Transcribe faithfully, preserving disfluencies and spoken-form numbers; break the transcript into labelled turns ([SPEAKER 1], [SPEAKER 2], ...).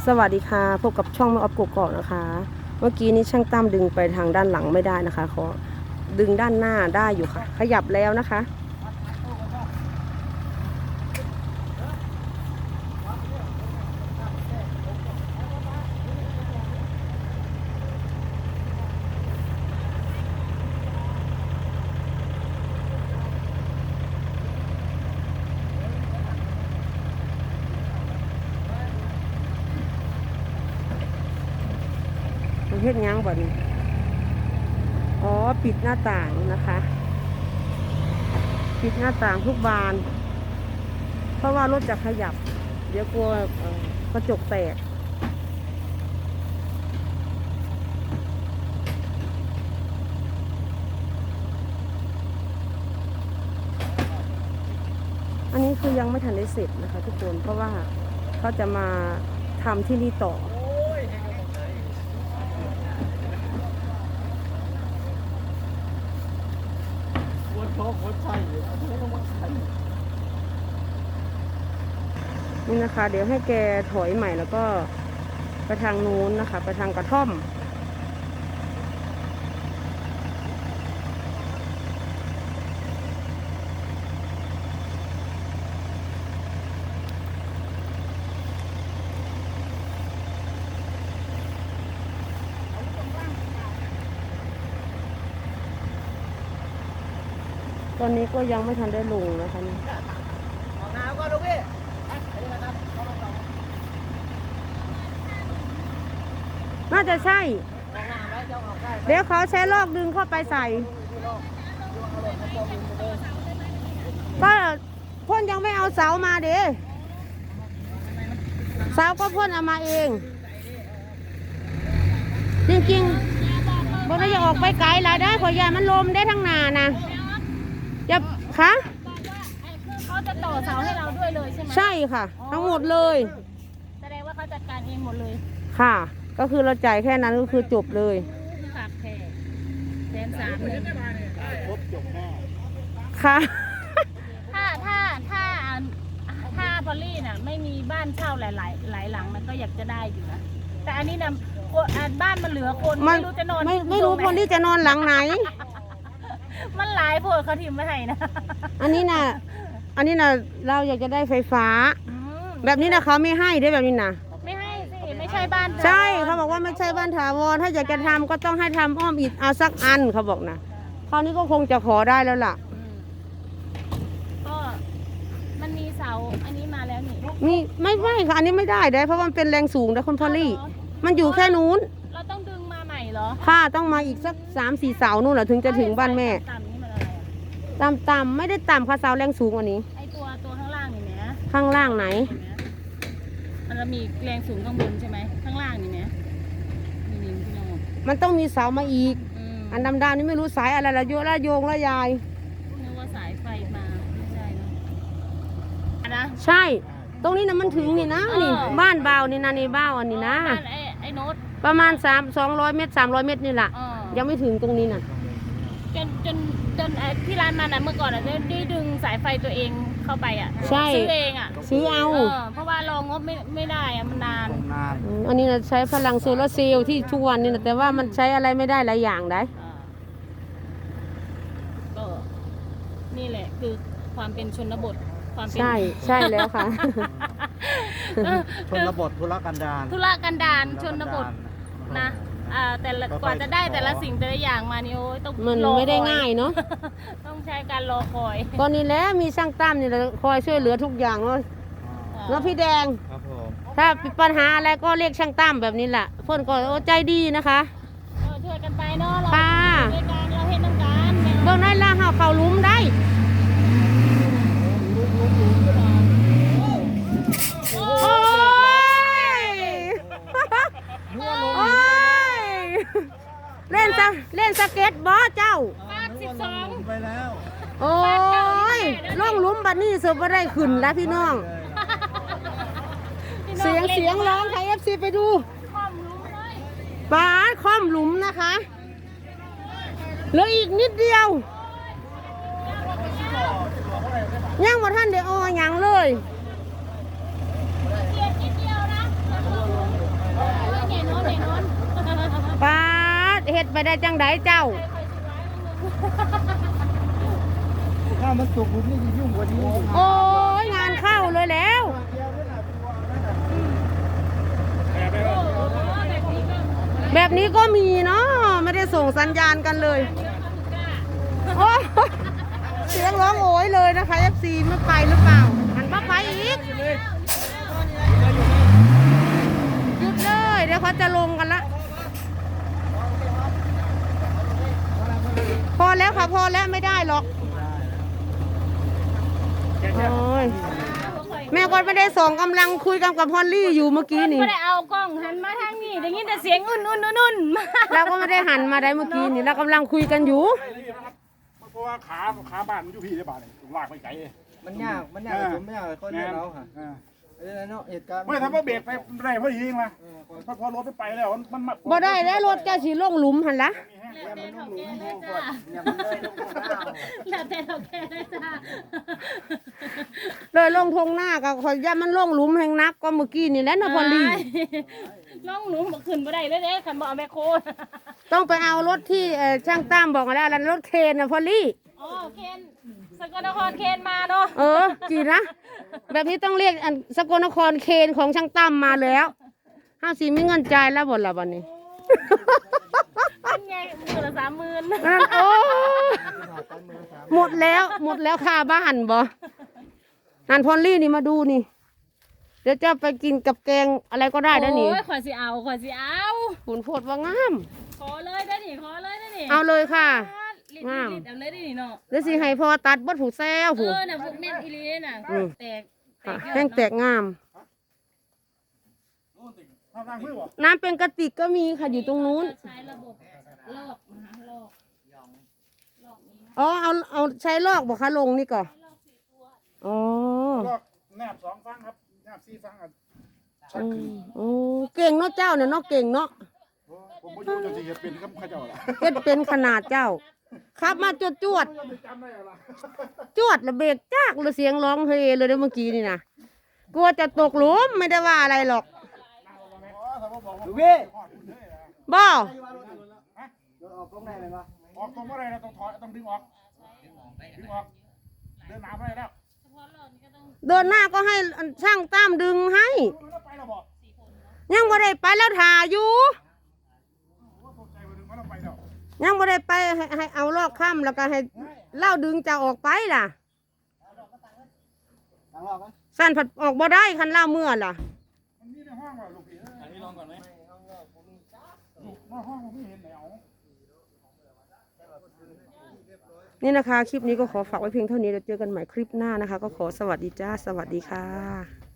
[SPEAKER 1] สวัสดีค่ะพบกับช่องแม่ออฟกกอกนะคะเมื่อกี้นี้ช่างตั้มดึงไปทางด้านหลังไม่ได้นะคะขอดึงด้านหน้าได้อยู่ค่ะขยับแล้วนะคะมันเฮ็ดยังบ่นี่อ๋อปิดหน้าต่างนะคะปิดหน้าต่างทุกบานเพราะว่ารถจะขยับเดี๋ยวกลัวกระจกแตกอันนี้คือยังไม่ทันได้เสร็จนะคะทุกคนเพราะว่าเขาจะมาทำที่นี่ต่อนี่นะคะเดี๋ยวให้แกถอยใหม่แล้วก็ไปทางนู้นนะคะไปทางกระท่อมตอนนี้ก็ยังไม่ทันได้ลงนะคะนี่น่าจะใช่เดี๋ยวเขาใช้ลอกดึงเข้าไปใส่ก็พ่นยังไม่เอาเสามาเด้เสาก็พ่นเอามาเองจริงๆบนนี้จะออกไปไกลแล้วได้ขอยามันลมได้ทั้งนานะจะคะ
[SPEAKER 2] เขาจะต่อเสาให้เราด้วยเลยใช่ไหม
[SPEAKER 1] ใช่ค่ะทั้งหมดเลย
[SPEAKER 2] แสดงว่าเขาจัดการเองหมดเลย
[SPEAKER 1] ค่ะก็คือเราจ่ายแค่นั้นก็คือจบเลย
[SPEAKER 2] ฝากแขกแสนสามเลยครบจบแน่
[SPEAKER 1] ค่ะ
[SPEAKER 2] ถ้าถ้าถ้าถ้าพอลลี่น่ะไม่มีบ้านเช่าหลายหลายหลายหลังมันก็อยากจะได้อยู่นะแต่อันนี้นะบ้านมันเหลือคนไม่รู้จะนอน
[SPEAKER 1] ไม่ไม่รู้คนที่จะนอนหลังไหน
[SPEAKER 2] มันหลายโพดเขาทิมไม่ให้นะ
[SPEAKER 1] อันนี้น่ะอันนี้น่ะเราอยากจะได้ไฟฟ้าแบบนี้นะเขาไม่ให้ได้แบบนี้นะ
[SPEAKER 2] ไม่ให้สิไม่ใช่บ้าน
[SPEAKER 1] ใช่เขาบอกว่าไม่ใช่บ้านถาวรถ้าอยากจะทำก็ต้องให้ทำอ้อมอิฐเอาสักอันเขาบอกนะคราวนี้ก็คงจะขอได้แล้วล่ะ
[SPEAKER 2] ก็มันมีเสาอันนี้มาแล้วนี่
[SPEAKER 1] มีไม่ไม่ค่ะอันนี้ไม่ได้ได้เพราะมันเป็นแรงสูงนะคุณพอลลี่มันอยู่แค่นู้น
[SPEAKER 2] เราต้องดึงมาใหม่เหรอ
[SPEAKER 1] ค่ะต้องมาอีกสักสามสี่เสานู่นแหละถึงจะถึงบ้านแม่ต่ำต่ำไม่ได้ต่ำค่ะเสาแรงสูงกว่านี้
[SPEAKER 2] ไอตัวตัวข้างล่างนี่นะ
[SPEAKER 1] ข้างล่างไหน
[SPEAKER 2] มันจะมีแรงสูงข้างบนใช่ไหมข้างล่างนี่นะนี่พี่น้อง
[SPEAKER 1] มันต้องมีเสามาอีกอันดำๆนี่ไม่รู้สายอะไรละโยละโยงละยาย
[SPEAKER 2] นึกว่าสายไฟมาไม่ใช่นะนะ
[SPEAKER 1] ใช่ตรงนี้นะมันถึงนี่นะนี่บ้านเบานี่นะนี่เบาอันนี้นะ
[SPEAKER 2] บ้านไอ้ไอ้โน้ต
[SPEAKER 1] ประมาณสามสองร้อยเมตรสามร้อยเมตรนี่แหละยังไม่ถึงตรงนี้น่ะ
[SPEAKER 2] จนจนจนที่ร้านมันนะเมื่อก่อนอ่ะได้ดึงสายไฟตัวเองเข้าไปอ่ะซื้อเองอ่ะ
[SPEAKER 1] ซื้อเอา
[SPEAKER 2] เพราะว่ารองงบไม่ไม่ได้อ่ะมันนาน
[SPEAKER 1] อันนี้นะใช้พลังโซลาร์เซลล์ที่ทุกวันนี่นะแต่ว่ามันใช้อะไรไม่ได้หลายอย่างได้
[SPEAKER 2] ก็นี่แหละคือความเป็นชนบทความเป็น
[SPEAKER 1] ใช่ใช่แล้วค่ะ
[SPEAKER 3] ชนบทธุรกันดาร
[SPEAKER 2] ธุรกันดารชนบทนะอ่าแต่กว่าจะได้แต่ละสิ่งแต่ละอย่างมานี่โอ้ยต้อง
[SPEAKER 1] มันไม่ได้ง่ายเนาะ
[SPEAKER 2] ต้องใช้การรอคอย
[SPEAKER 1] ตอนนี้แล้วมีช่างตั้มนี่คอยช่วยเหลือทุกอย่างเลยแล้วพี่แดงถ้าปัญหาอะไรก็เรียกช่างตั้มแบบนี้แหละเพื่อนก็ใจดีนะคะ
[SPEAKER 2] ช่วยกันไปเนาะเราช่วยกันเราเห็นน้ำกัน
[SPEAKER 1] เบื้องนั้นล่างเขาเขาลุ้มได้เล่นสเล่นสเก็ตบอร์ดเจ้า
[SPEAKER 2] สิบสอง
[SPEAKER 3] ไปแล้ว
[SPEAKER 1] โอ้ยล่องลุ้มบัดนี้สุดว่าได้ขึ้นแล้วพี่น้องเสียงเสียงร้องไทยเอฟซีไปดูบาสคอมหลุมนะคะเหลืออีกนิดเดียวย่างว่าท่านเดี๋ยวอ้อยังเลย
[SPEAKER 2] นิดเดียวนะ
[SPEAKER 1] ไปได้จังไดเจ้า
[SPEAKER 3] ถ้ามันสุกมันนี่จะยุ่งกว่านี้
[SPEAKER 1] โอ้ยงานเข้าเลยแล้ว แบบนี้ก็มีเนาะไม่ได้ส่งสัญญาณกันเลยโอ้เสียงร้องโอยเลยนะคะ เอฟ ซี ไม่ไปหรือเปล่าหันมาไปอีกหยุดเลยเดี๋ยวเขาจะลงกันละพอแล้วค่ะพอแล้วไม่ได้หรอกโอ้ยแม่ก็ไม่ได้ส่งกำลังคุยกันกับพอลลี่อยู่เมื่อกี้นี่
[SPEAKER 2] ไม่ได้เอากล้องหันมาทางนี้ได้ยินแต่เสียงอุ่นอุ่นอุ่นอุ่นมา
[SPEAKER 1] เราก็ไม่ได้หันมาได้เมื่อกี้นี่เรากำลังคุยกันอยู่
[SPEAKER 4] เพราะว่าขาขาบ้านมันอยู่พี่ได้บ้านนี่ลากไปไกล
[SPEAKER 3] มันยากมันยากผมไม่ยากคนเดียวเราค่ะเออเนาะเหตุการณ์
[SPEAKER 4] ไม่ทำว่าเบรกไปได้พอดีเองมาพอพอรถไปไปแล้วมันมัน
[SPEAKER 1] บ่ได้แล้วรถจะสีลงหลุมหันละ
[SPEAKER 2] แล้วแต่เขาแก่ได้จ้า
[SPEAKER 3] อย่ามันเลยลงมา
[SPEAKER 2] แล้วแต่เขาแก่ได้จ้า
[SPEAKER 1] เลยลงทงหน้าก็ขอย่ามันลงหลุมแห่งนักก็เมื่อกี้นี่แหละนะพอลลี่
[SPEAKER 2] น้องหนูบอกขึ้นบ่ได้เลยเด้ขันบอกเอาแม่โค
[SPEAKER 1] ต้องไปเอารถที่เอ่อช่างตั้มบอกมาแล้วแล้วรถเคนนะพอลลี่
[SPEAKER 2] อ๋อเคนสกลนครเคนมาเนาะ
[SPEAKER 1] เออจีนะแบบนี้ต้องเรียกอันสกลนครเคนของช่างตั้มมาแล้วห้าสีมีเงินจ่ายแล้วบ่ละวันนี้
[SPEAKER 2] เป็นไงมือละสามหมื่น
[SPEAKER 1] นั่นโอ้หมดแล้วหมดแล้วค่าบ้านบ่นั่นพอลลี่นี่มาดูนี่เดี๋ยวจะไปกินกับแกงอะไรก็ได้นะนี่
[SPEAKER 2] โอ้ยขอสิเอาขอสิเอา
[SPEAKER 1] คุณโพดว่างาม
[SPEAKER 2] ขอเลยได้นี่ขอเลยได้นี่
[SPEAKER 1] เอาเลยค่ะ
[SPEAKER 2] ลิด
[SPEAKER 1] งาม
[SPEAKER 2] ลิดเอาเลยได้นี่เนาะ
[SPEAKER 1] เดี๋ยวสิให้พอตัดบดผูแซว
[SPEAKER 2] เอ
[SPEAKER 1] ผู
[SPEAKER 2] อน่ะพวกแม่นอีหลีน่ะ
[SPEAKER 1] อืม
[SPEAKER 2] แตกแต
[SPEAKER 1] ค่ะ
[SPEAKER 2] กยอด
[SPEAKER 1] แห้งแตกงาม
[SPEAKER 4] ทำทางเพื่อวะ
[SPEAKER 1] น้ำเป็นกระติกก็มีค่ะอยู่ตรงนู้น
[SPEAKER 2] ใช้ระบบลอกนะคะลอกลอกนี้
[SPEAKER 1] อ๋อเอาเอาใช้ลอกบอกคะลงนี่ก่อนอ๋อ
[SPEAKER 4] ก็แนบสองฟังครับแนบสี่ฟังอ่ะชัก
[SPEAKER 1] อื
[SPEAKER 4] ขึ้น
[SPEAKER 1] มโอ้เก่งเนาะเจ้าเนี่ยเนาะเก่งเนาะ
[SPEAKER 4] ผมไม่รู้จะสิเห็ดเป็นกับข้าเจ้าละ
[SPEAKER 1] เฮ็ดเป็นขนาดเจ้าขับมาจวดจวด
[SPEAKER 4] จำได้ละ
[SPEAKER 1] จวดระเบิดจากเลยเสียงร้องเฮเลยเด้อเมื่อกี้นี่นะกลัวจะตกหลุมไม่ได้ว่าอะไรหรอก
[SPEAKER 3] ดูพี่
[SPEAKER 1] บ่
[SPEAKER 3] รถออกตรงไหนเลยปะ
[SPEAKER 4] ออกตรงเมื่อไรเราต้องถอยต้องดึงออกดึงออกเดินน้ำไม่ได้แล้ว
[SPEAKER 1] เดินหน้าก็ให้ช่างตั้มดึงให้
[SPEAKER 4] แล้วไปเราบอก
[SPEAKER 1] ยังบ่ได้ไปแล้วถ่าอยู่
[SPEAKER 4] ว่าตกใจไปดึงว่าเราไปแล้ว
[SPEAKER 1] ยังบ่ได้ไปให้ให้เอาลอกค่ำแล้วก็ให้เล่าดึงจะออกไปล่ะ
[SPEAKER 3] ทางรอบไหม
[SPEAKER 1] สั้นผัดออกบ่ได้คันเล่าเมื่อล่ะ
[SPEAKER 4] มันมีในห้องว่ะลูกพี่อันนี้ลองก่อนไหมลูกนอกห้องผมไม่เห็นไหนเอา
[SPEAKER 1] นี่นะคะ คลิปนี้ก็ขอฝากไว้เพียงเท่านี้แล้วเจอกันใหม่คลิปหน้านะคะ ก็ขอสวัสดีจ้า สวัสดีค่ะ